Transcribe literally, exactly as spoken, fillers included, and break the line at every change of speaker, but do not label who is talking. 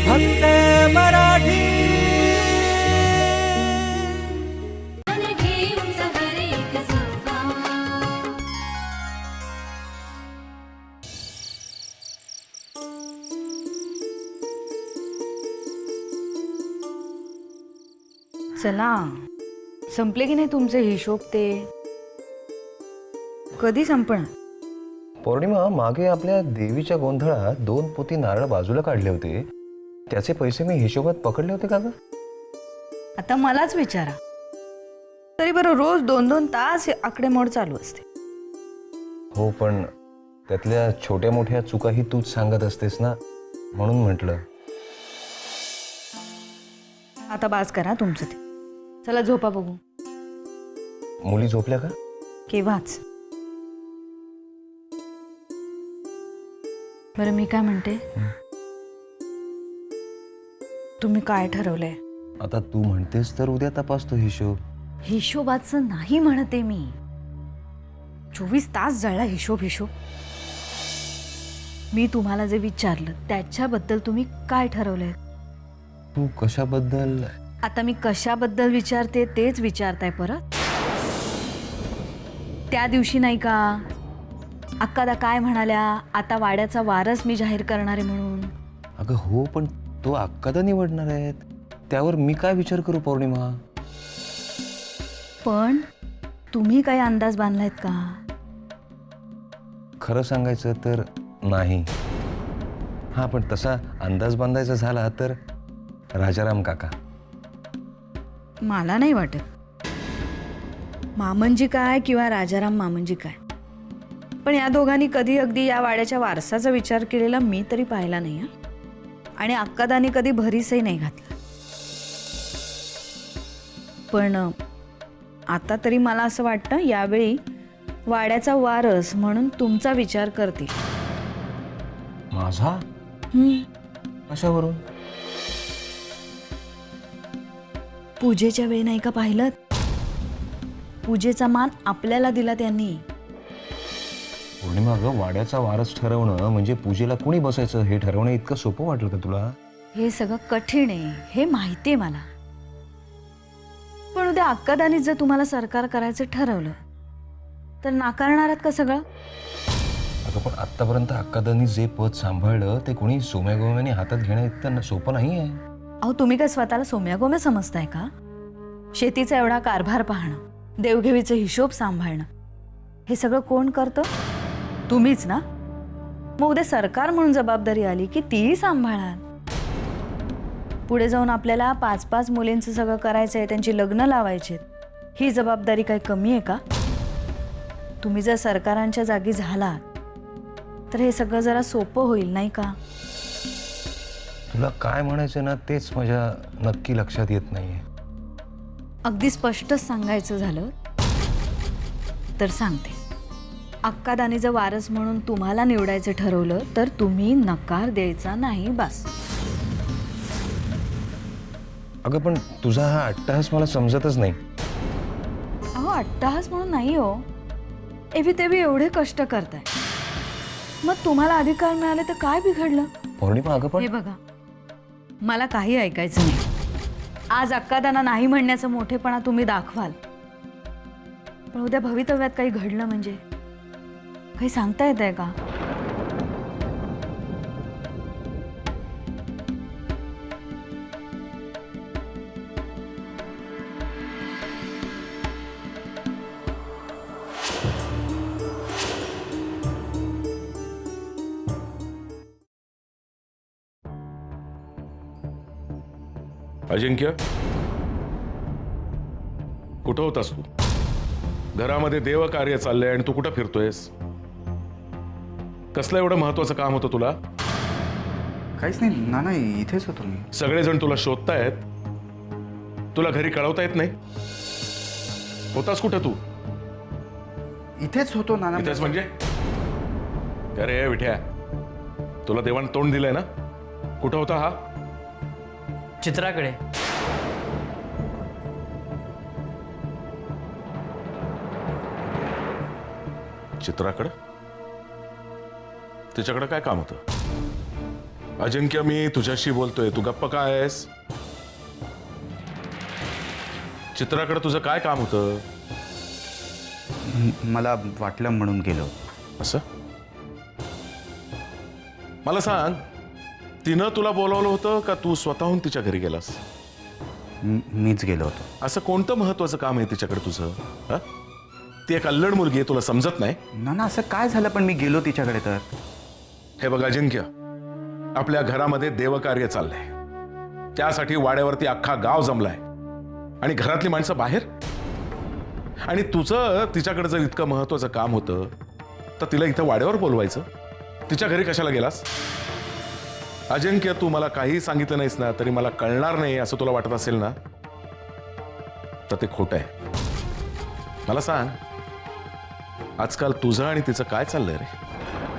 फक्त मराठी.
चला, संपले की नाही तुमचे हिशोब? ते कधी संपणार?
पौर्णिमा, मागे आपल्या देवीच्या गोंधळात दोन पोती नारळ बाजूला काढले होते, त्याचे पैसे मी हिशोबात पकडले होते का ग?
आता मलाच विचारा. तरी बरं, रोज दोन दोन तास हे आकडेमोड चालू असते.
हो, पण त्यातल्या छोट्या मोठ्या चुकाही तूच सांगत असतेस ना, म्हणून म्हटलं.
आता बाज करा तुमचं ते. चला झोपा बघू.
मुली झोपल्या का?
केव्हाच. बरं, मी काय म्हणते, तुम्ही काय ठरवलंय?
आता तू म्हणतेस तर उद्या तपासतो हिशोब.
हिशोबाचं नाही म्हणते मी. चोवीस तास जळला हिशोब हिशोब. मी तुम्हाला जे विचारलं त्याच्याबद्दल तुम्ही काय ठरवलंय?
तू कशाबद्दल?
आता मी कशाबद्दल विचारते तेच विचारताय परत? त्या दिवशी नाही का अक्कादा काय म्हणाल्या, आता वाड्याचा वारस मी जाहीर करणार आहे म्हणून?
अगं हो, पण तो अक्कादा निवडणार आहेत, त्यावर मी काय विचार करू पौर्णिमा?
पण तुम्ही काही अंदाज बांधलायत का?
खरं सांगायचं तर नाही. हा, पण तसा अंदाज बांधायचा झाला तर राजाराम काका.
मला नाही वाटत. मामंजी काय किंवा राजाराम मामंजी काय, पण या दोघांनी कधी अगदी या वाड्याच्या वारसाचा विचार केलेला मी तरी पाहिला नाही. हा, आणि अक्कादानी कधी भरीसही नाही घातला. पण आता तरी मला असं वाटतं यावेळी वाड्याचा वारस म्हणून तुमचा विचार करतील.
माझा?
हम्म,
कशावरून?
पूजेच्या वेळी नाही का पाहिलं? पूजेचा मान आपल्याला दिला त्यांनी.
पौर्णिमा ग, वाड्याचा वारस ठरवणं म्हणजे पूजेला कोणी बसायचं हे ठरवणं इतकं सोपं वाटलं का तुला?
हे सगळं कठीण आहे हे माहिती आहे मला. पण उद्या अक्कादानी जर तुम्हाला सरकार करायचं ठरवलं तर नाकारणार आहात का सगळं?
अगं पण आतापर्यंत अक्कादांनी जे पद सांभाळलं ते कोणी सोम्या गोम्याने हातात घेणं इतकं सोपं नाही आहे.
अहो, तुम्ही काय स्वतःला सोम्या गोम्या समजताय का? शेतीचा एवढा कारभार पाहणं, देवघेवीचे हिशोब सांभाळणं, हे सगळं कोण करतं? तुम्हीच ना. मग उद्या सरकार म्हणून जबाबदारी आली की तीही सांभाळाल. पुढे जाऊन आपल्याला पाच पाच मुलींचं सगळं करायचं आहे, त्यांची लग्न लावायची. ही जबाबदारी काही कमी आहे का? तुम्ही जर सरकारांच्या जागी झालात तर हे सगळं जरा सोपं होईल नाही का?
तुला काय म्हणायचं ना तेच माझ्या नक्की लक्षात येत नाहीये.
अगदी स्पष्टच सांगायचं झालं तर सांगते. अक्कादानी जर वारस म्हणून तुम्हाला निवडायचं ठरवलं तर तुम्ही नकार द्यायचा नाही, बस.
अगं पण तुझा हा अट्टहास मला समजतच नाही.
अहो, अट्टहास म्हणून नाही हो. एवी तेवी एवढे कष्ट करताय, मग तुम्हाला अधिकार मिळाले तर काय बिघडलं?
पौर्णिमा अगं पण
हे बघा, मला काही ऐकायचं नाही. आज अक्कादाना नाही म्हणण्याचा मोठेपणा तुम्ही दाखवाल, पण उद्या भवितव्यात काही घडलं म्हणजे काही सांगता येत आहे का?
अजिंक्य, कुठं होतास तू? घरामध्ये देवकार्य चाललंय आणि तू कुठं फिरतोयस? कसलं एवढं महत्वाचं काम होतं तुला?
काहीच नाही नाना, इथेच होतो मी.
सगळेजण तुला शोधतायत, तुला घरी कळवता येत नाही? होतास कुठं तू?
इथेच होतो नाना.
इथेच म्हणजे? अरे विठ्या, तुला देवान तोंड दिलंय ना? कुठं होता हा?
चित्राकडे.
चित्राकडे? तिच्याकडे काय काम होतं? अजिंक्य, मी तुझ्याशी बोलतोय, तू गप्प काय आहेस? चित्राकडे तुझं काय काम होतं?
म- मला वाटलं म्हणून गेलो.
असं? मला सांग, तिनं तुला बोलावलं होतं का तू स्वतःहून तिच्या घरी गेलास?
म- मीच गेलो होतो.
असं कोणतं महत्वाचं काम आहे तिच्याकडे तुझं? हं? ती एक अल्लड मुलगी आहे, तुला समजत नाही?
नाना, असं काय झालं पण मी गेलो तिच्याकडे तर?
हे बघ अजिंक्य, आपल्या घरामध्ये देवकार्य चाललंय. त्यासाठी वाड्यावरती अख्खा गाव जमलाय आणि घरातली माणसं बाहेर. आणि तुझं तिच्याकडे जर इतकं महत्वाचं काम होतं तर तिला इथं वाड्यावर बोलवायचं. तिच्या घरी कशाला गेलास? अजिंक्य, तू मला काही सांगितलं नाहीस ना तरी मला कळणार नाही असं तुला वाटत असेल ना, तर ते खोटं आहे. मला सांग, आजकाल तुझं आणि तिचं काय चाललंय रे?